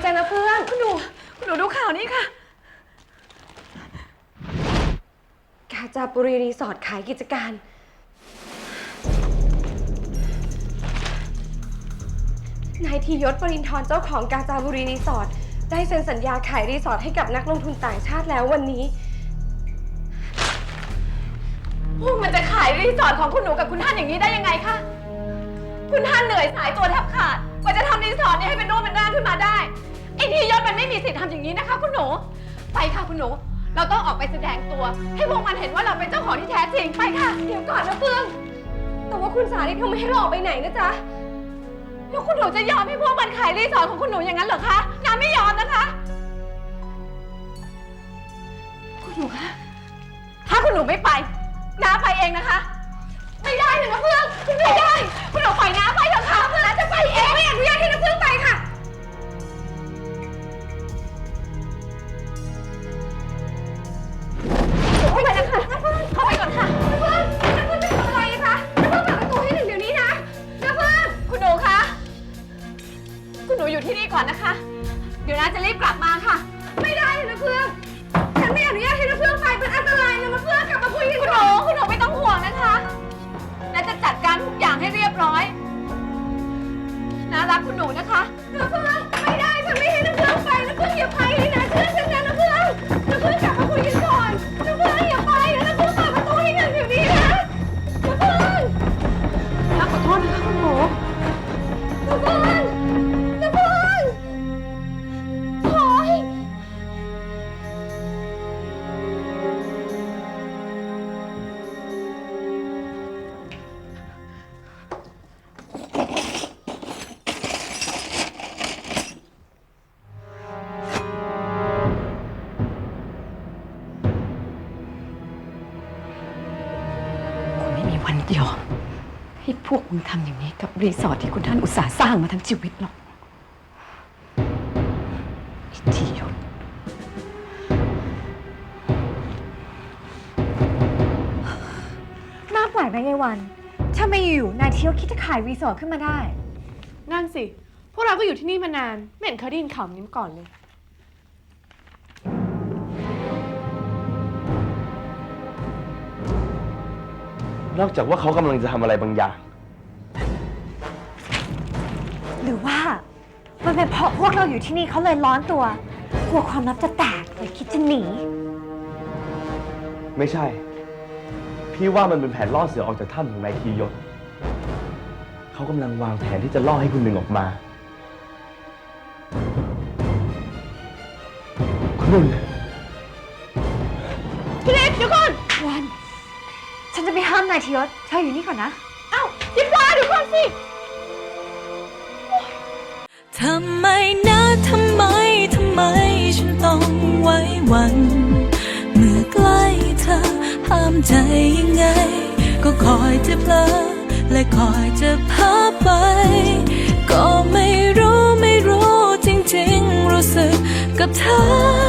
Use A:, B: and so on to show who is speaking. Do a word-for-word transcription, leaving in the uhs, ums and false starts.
A: จ้ะนะเพื่อน
B: คุณหนูคุณหนูดูข่าวนี้ค่ะ
A: กาญจนบุรีรีสอร์ทขายกิจการนายธียศ ปรินทร์เจ้าของกาญจนบุรีรีสอร์ทได้เซ็นสัญญาขายรีสอร์ทให้กับนักลงทุนต่างชาติแล้ววันนี้
B: พวกมันจะขายรีสอร์ทของคุณหนูกับคุณท่านอย่างนี้ได้ยังไงคะคุณท่านเหนื่อยสายตัวแทบขาดกว่าจะทำรีสอร์ทนี้ให้เป็นรูปเป็นร่างขึ้นมาได้ไอ้ธียศมันไม่มีสิทธิ์ทำอย่างนี้นะคะคุณหนูไปค่ะคุณหนูเราต้องออกไปแสดงตัวให้พวกมันเห็นว่าเราเป็นเจ้าของที่แท้จริงไปค่ะ
A: เดี๋ยวก่อนนะเฟื่องแต่ว่าคุณสาลีเขาไม่ให้เราออกไปไหนนะจ๊ะ
B: แล้วคุณหนูจะยอมให้พวกมันขายรีสอร์ทของคุณหนูอย่างนั้นเหรอคะน้าไม่ยอมนะคะคุณหนูคะถ้าคุณหนูไม่ไปน้าไปเองนะคะไม่ได้เลยนะเฟื่องไม่ได้คุณหนูปล่อยน้าไปเถอะค่ะน้าจะไปเอง
A: ไม่อนุญาตให้น้าเฟื่องไปค่ะเข้าไปนะคะน้าเฟื่อง
B: เข้าไปก่อนค่ะ
A: น้าเฟื่องน้าเฟื่องจะทำอะไรคะน้าเฟื่องเปิดประตูให้หนึ่งเดี๋ยวนี้นะน้าเฟื่อง
B: คุณหนูคะคุณหนูอยู่ที่นี่ก่อนนะคะเดี๋ยวน้าจะรีบกลับมาค่ะ
A: ไม่ได้เลยนะเฟื่องฉันไม่อนุญาตให้น้าเฟื่องไปเป็นอันตรายนะน้าเฟื่องกลับมาคุยกัน
B: คุณหนูคุณหนูไม่ต้องห่วงนะคะน้าจะจัดการทุกอย่างให้เรียบร้อยน้ารักคุณหนูนะคะ
A: น้าเฟื่องไม่ได้ฉันไม่ให้น้าเฟื่องไปน้าเฟื่องอย่าไปเลยนะเชื่อฉันนะน้าเฟื่องน้าเฟื่องกลับมาคุยกันก่อนน้าเฟื่องอย่าไปนะน้าเฟื่องเปิดประตูให้หนึ่งเดี๋ยวนี้นะน้าเฟื่อง
B: น้าขอโทษนะคะคุณหนู
A: น้าเฟื่องน้าเฟื่องโอ๊ย
B: วันเดียวให้พวกมึงทำอย่างนี้กับรีสอร์ทที่คุณท่านอุตส่าห์สร้างมาทั้งชีวิตหรอกไอ้ธียศ
A: น่าแปลกนะยายวันถ้าไม่อยู่นายธียศคิดจะขายรีสอร์ทขึ้นมาได้
C: นั่นสิพวกเราก็อยู่ที่นี่มานานไม่เห็นเคยได้ยินข่าวนี้มาก่อนเลย
D: นอกจากว่าเขากำลังจะทำอะไรบางอย่าง
A: หรือว่ามันเป็นเพราะพวกเราอยู่ที่นี่เขาเลยร้อนตัวกลัวความลับจะแตกเลยคิดจะหนี
D: ไม่ใช่พี่ว่ามันเป็นแผนล่อเสือออกจากถ้ำของนายธียศเขากำลังวางแผนที่จะล่อให้คุณหนึ่งออกมาคุณหนึ่ง
B: พี่เล็กเดี๋ยวก่อน
A: วันฉันจะไปห้ามนายธียศเธออยู่นี่ก่อนนะ
B: เอ้ายิบว่าเดี๋ยวก่อนสิ
E: ทำไมนะทำไมทำไมฉันต้องไว้วันเมื่อใกล้เธอห้ามใจยังไงก็คอยจะเพลอและคอยจะพาไปก็ไม่รู้ไม่รู้จริงๆรู้สึกกับเธอ